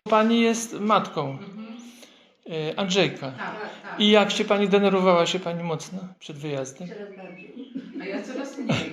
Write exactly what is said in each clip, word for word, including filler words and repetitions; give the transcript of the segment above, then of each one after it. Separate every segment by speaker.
Speaker 1: Pani jest matką
Speaker 2: Mhm.
Speaker 1: y, Andrzejka.
Speaker 2: Tak, tak.
Speaker 1: I jak się pani denerwowała się pani mocno przed wyjazdem?
Speaker 3: Coraz bardziej.
Speaker 2: A ja coraz mniej.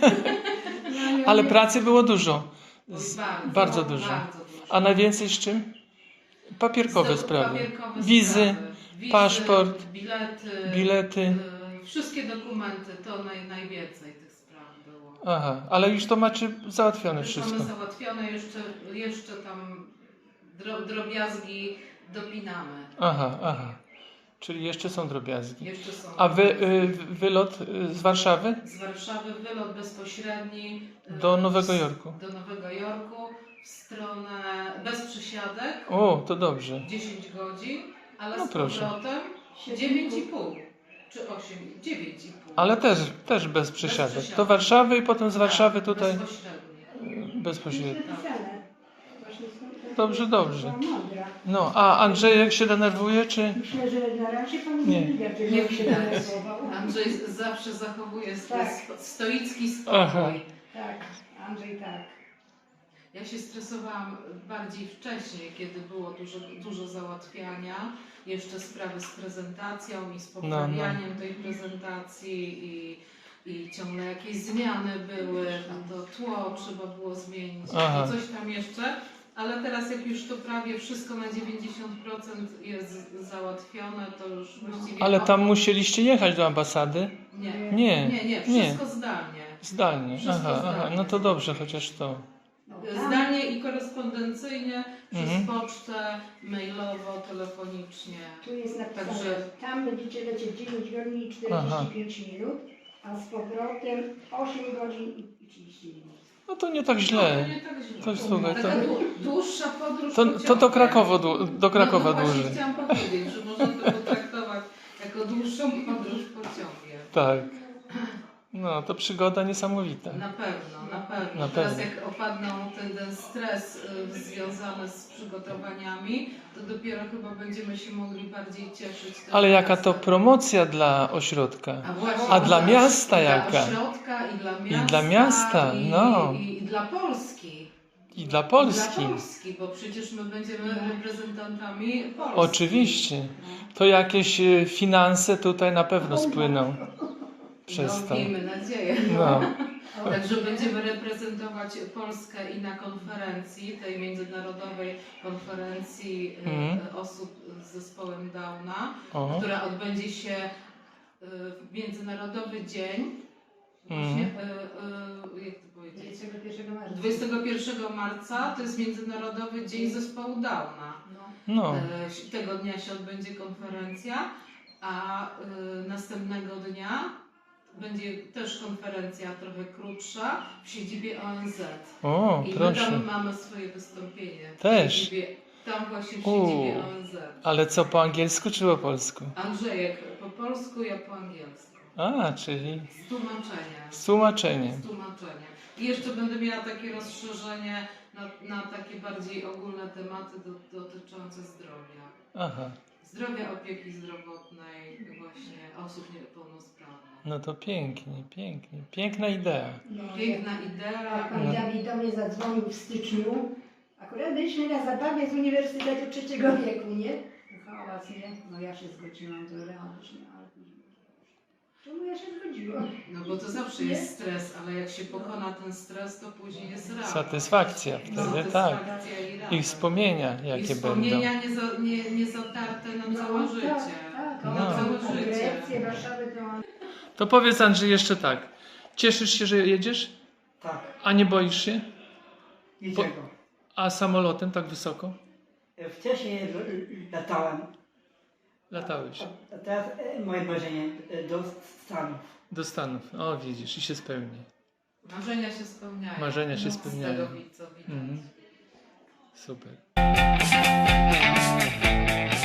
Speaker 3: No, ja
Speaker 1: Ale
Speaker 3: nie-
Speaker 1: pracy było dużo.
Speaker 2: Oj,
Speaker 1: Z,
Speaker 2: bardzo,
Speaker 1: bardzo dużo.
Speaker 2: bardzo dużo.
Speaker 1: A najwięcej z czym? Papierkowe
Speaker 2: Z-
Speaker 1: sprawy.
Speaker 2: papierkowe
Speaker 1: Wizy,
Speaker 2: sprawy. Wizy,
Speaker 1: paszport,
Speaker 2: bilety,
Speaker 1: bilety.
Speaker 2: y, wszystkie dokumenty, to naj, najwięcej tych spraw było.
Speaker 1: Aha, ale już to macie załatwione
Speaker 2: Już
Speaker 1: wszystko.
Speaker 2: mamy załatwione, jeszcze, jeszcze tam dro, drobiazgi dopinamy.
Speaker 1: Aha, aha. Czyli jeszcze są drobiazgi.
Speaker 2: Jeszcze są.
Speaker 1: A wy, y, wylot y, z Warszawy?
Speaker 2: Z Warszawy wylot bezpośredni y,
Speaker 1: Do Nowego
Speaker 2: w-
Speaker 1: Jorku.
Speaker 2: Do Nowego Jorku w stronę bez przysiadek.
Speaker 1: O, to dobrze.
Speaker 2: dziesięć godzin, ale
Speaker 1: No
Speaker 2: z
Speaker 1: proszę.
Speaker 2: powrotem dziewięć i pół czy osiem, dziewięć i pół.
Speaker 1: Ale też, też bez przesiadek.
Speaker 2: przesiadek.
Speaker 1: Do Warszawy i potem z Warszawy
Speaker 2: Tak,
Speaker 1: tutaj
Speaker 2: bezpośrednio.
Speaker 1: bezpośrednio.
Speaker 3: Napisane. Właśnie są-
Speaker 1: Dobrze, dobrze.
Speaker 3: Była mądra.
Speaker 1: No, a Andrzejek się denerwuje, czy...
Speaker 3: Myślę, że na razie pan
Speaker 1: Nie.
Speaker 3: nie widać, że
Speaker 2: Nie
Speaker 3: on się
Speaker 2: widać.
Speaker 3: denerwował.
Speaker 2: Andrzej z- zawsze zachowuje swój
Speaker 3: Tak.
Speaker 2: spo- stoicki spokój.
Speaker 1: Aha.
Speaker 3: Tak, Andrzej tak.
Speaker 2: Ja się stresowałam bardziej wcześniej, kiedy było dużo, dużo załatwiania, jeszcze sprawy z prezentacją i z poprawianiem tej prezentacji i, i ciągle jakieś zmiany były, a to tło trzeba było zmienić,
Speaker 1: Aha.
Speaker 2: i coś tam jeszcze. Ale teraz jak już to prawie wszystko na dziewięćdziesiąt procent jest załatwione, to już właściwie...
Speaker 1: Ale tam musieliście jechać do ambasady?
Speaker 2: Nie,
Speaker 1: Nie,
Speaker 2: nie, nie,
Speaker 1: nie.
Speaker 2: wszystko zdalnie.
Speaker 1: Zdalnie.
Speaker 2: Wszystko
Speaker 1: Aha, aha.
Speaker 2: zdalnie.
Speaker 1: No to dobrze, chociaż to.
Speaker 3: No, tam-
Speaker 2: Zdalnie i korespondencyjnie, przez
Speaker 1: Mhm.
Speaker 2: pocztę, mailowo, telefonicznie.
Speaker 3: Tu jest napisane,
Speaker 2: Także-
Speaker 3: tam będziecie lecieć dziewięć godzin i
Speaker 1: Aha.
Speaker 3: czterdzieści pięć minut, a z powrotem osiem godzin i trzydzieści minut.
Speaker 1: No to nie tak
Speaker 2: No,
Speaker 1: źle.
Speaker 2: to nie tak źle.
Speaker 1: To słuchaj, to,
Speaker 2: Taka dłu- dłuższa podróż
Speaker 1: to, to do
Speaker 2: pociągiem.
Speaker 1: Krakowa, dłu- do Krakowa
Speaker 2: no, no właśnie
Speaker 1: dłużej.
Speaker 2: chciałam powiedzieć, że można to potraktować jako dłuższą podróż pociągiem.
Speaker 1: Tak. No, to przygoda niesamowita.
Speaker 2: Na pewno, na pewno.
Speaker 1: Na
Speaker 2: Teraz
Speaker 1: pewno.
Speaker 2: jak opadną ten, ten stres y, związany z przygotowaniami, to dopiero chyba będziemy się mogli bardziej cieszyć. tym
Speaker 1: Ale jaka to
Speaker 2: czasem.
Speaker 1: promocja dla ośrodka.
Speaker 2: A, właśnie,
Speaker 1: A dla miasta
Speaker 2: i
Speaker 1: jaka?
Speaker 2: Dla ośrodka i dla miasta.
Speaker 1: dla miasta,
Speaker 2: i,
Speaker 1: no.
Speaker 2: I, i dla Polski.
Speaker 1: I dla Polski.
Speaker 2: Dla Polski, bo przecież my będziemy reprezentantami Polski.
Speaker 1: Oczywiście.
Speaker 2: No.
Speaker 1: To jakieś e, finanse tutaj na pewno spłyną przez
Speaker 2: no,
Speaker 1: to.
Speaker 2: miejmy nadzieję.
Speaker 1: No.
Speaker 2: Także będziemy reprezentować Polskę i na konferencji, tej międzynarodowej konferencji y,
Speaker 1: Mhm.
Speaker 2: osób z zespołem Downa,
Speaker 1: O.
Speaker 2: która odbędzie się y, w Międzynarodowy Dzień, właśnie,
Speaker 1: Mhm.
Speaker 2: y, y, jak to powiedzieć,
Speaker 3: dwudziestego pierwszego marca.
Speaker 2: dwudziestego pierwszego marca to jest Międzynarodowy Dzień Zespołu Downa.
Speaker 3: No.
Speaker 1: No.
Speaker 2: E, Tego dnia się odbędzie konferencja, a y, następnego dnia będzie też konferencja trochę krótsza w siedzibie O N Z.
Speaker 1: O,
Speaker 2: I my
Speaker 1: proszę.
Speaker 2: tam mamy swoje wystąpienie. W
Speaker 1: Też?
Speaker 2: siedzibie, tam właśnie w
Speaker 1: U.
Speaker 2: siedzibie O N Z.
Speaker 1: Ale co, po angielsku czy po polsku?
Speaker 2: Andrzejek po polsku, ja po angielsku.
Speaker 1: A, czyli
Speaker 2: Z tłumaczeniem.
Speaker 1: z tłumaczeniem.
Speaker 2: Z tłumaczeniem. I jeszcze będę miała takie rozszerzenie na, na takie bardziej ogólne tematy do, dotyczące zdrowia.
Speaker 1: Aha.
Speaker 2: Zdrowia, opieki zdrowotnej właśnie osób niepełnosprawnych.
Speaker 1: No to pięknie, pięknie. Piękna idea.
Speaker 3: No,
Speaker 2: Piękna
Speaker 3: jak
Speaker 2: idea.
Speaker 3: pan Dawid do mnie zadzwonił w styczniu, akurat byliśmy na zabawie z Uniwersytetu Trzeciego Wieku, nie? Hałas, nie? No ja się zgodziłam, to realnie, ale... Czemu ja się zgodziłam?
Speaker 2: No bo to zawsze jest stres, ale jak się pokona ten stres, to później jest radość.
Speaker 1: Satysfakcja wtedy, tak.
Speaker 2: Satysfakcja i
Speaker 1: I
Speaker 2: radość.
Speaker 1: wspomnienia,
Speaker 2: I
Speaker 1: jakie będą.
Speaker 2: wspomnienia nie, za, nie, nie zatarte na całe życie.
Speaker 3: Tak, tak.
Speaker 1: No.
Speaker 2: Na całe
Speaker 3: No.
Speaker 2: życie.
Speaker 3: Grecję, Warszawę, to...
Speaker 1: To powiedz, Andrzej, jeszcze tak. Cieszysz się, że jedziesz?
Speaker 4: Tak.
Speaker 1: A nie boisz się?
Speaker 4: Niczego.
Speaker 1: A samolotem tak wysoko?
Speaker 4: Wcześniej l- latałem,
Speaker 1: Latałeś
Speaker 4: a teraz e, moje marzenie e, do Stanów.
Speaker 1: do Stanów. O, widzisz, i się spełni.
Speaker 2: Marzenia się spełniają.
Speaker 1: Marzenia się
Speaker 2: No,
Speaker 1: spełniają.
Speaker 2: Z tego, co widać.
Speaker 1: Mhm. Super.